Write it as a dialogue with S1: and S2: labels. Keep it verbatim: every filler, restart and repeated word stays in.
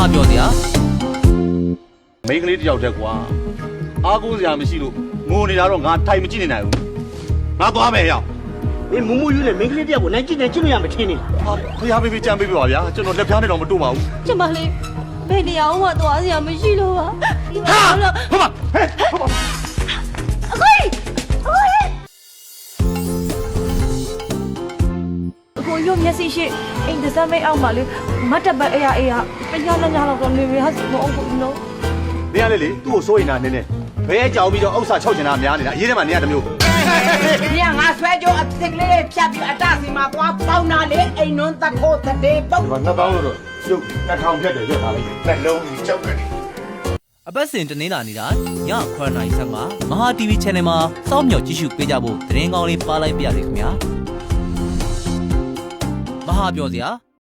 S1: ဟာပြောစရာ
S2: မိန်းကလေးတယောက်တည်းကွာအားကိုးစရာမရှိလို့ငိုနေတာတော့ငါထိုင်မကြည့်နေနိုင်ဘူးငါသွားမယ်ရောက်
S3: မင်းမမူယူနဲ့မင်းကလေးတယောက်ကိုနိုင်ကြည့်နေကြည့်လို့ရမထင်းနေလား
S2: ဟာဖျားပေးပေးကြမ်းပေးပေးပါဗျာကျွန်တော်လက်ဖျားနဲ့တော့မတို့ပါဘူး
S4: ကျမလေးဘယ်နေရာမှသွားစရာမရှိလို့ပါဟာလို့
S2: ဟုတ်ပါဟဲ့ဟုတ်ပါ
S4: အခွေအခွေကိုရုံမျက်စိရှိအိမ်တစမ်းမိတ်အောင်ပါလေမတ်တပတ်အေးအေးပညာလညာတော့တော့နေရဟာစမအောင်ဘူးနော်
S2: နေရလေလေသူ့ကိုစိုးရင်တာနည်းနည်းဘဲကြောင်ပြီးတော့ဥစ္စာချုပ်ချင်တာများနေတာအရေးထဲမှာနေရတမျိုး
S5: ညငါဆွဲကြအစ်စ်ကလေးဖြတ်ပြီးအတစီမှာသွားပေါင်းတာလေအိမ်နွန်းတခိုးတဲ့ပုတ်
S2: ဒီမှာနှစ်ပေါင်းလို့တော့ကျုပ်နှစ်ထောင်ဖြတ်တယ်ကြွထားလိုက်နှလုံးကြီးကြောက်တယ်
S1: အပတ်စဉ်တနင်္လာနေ့တိုင်းညခွဲနိုင်ဆက်မှာမဟာ တီဗီ channel မှာစောင့်မျှော်ကြည့်ရှုပေးကြဖို့သတင်းကောင်းလေးပါလိုက်ပါရစေခင်ဗျာမဟာပြောစရာ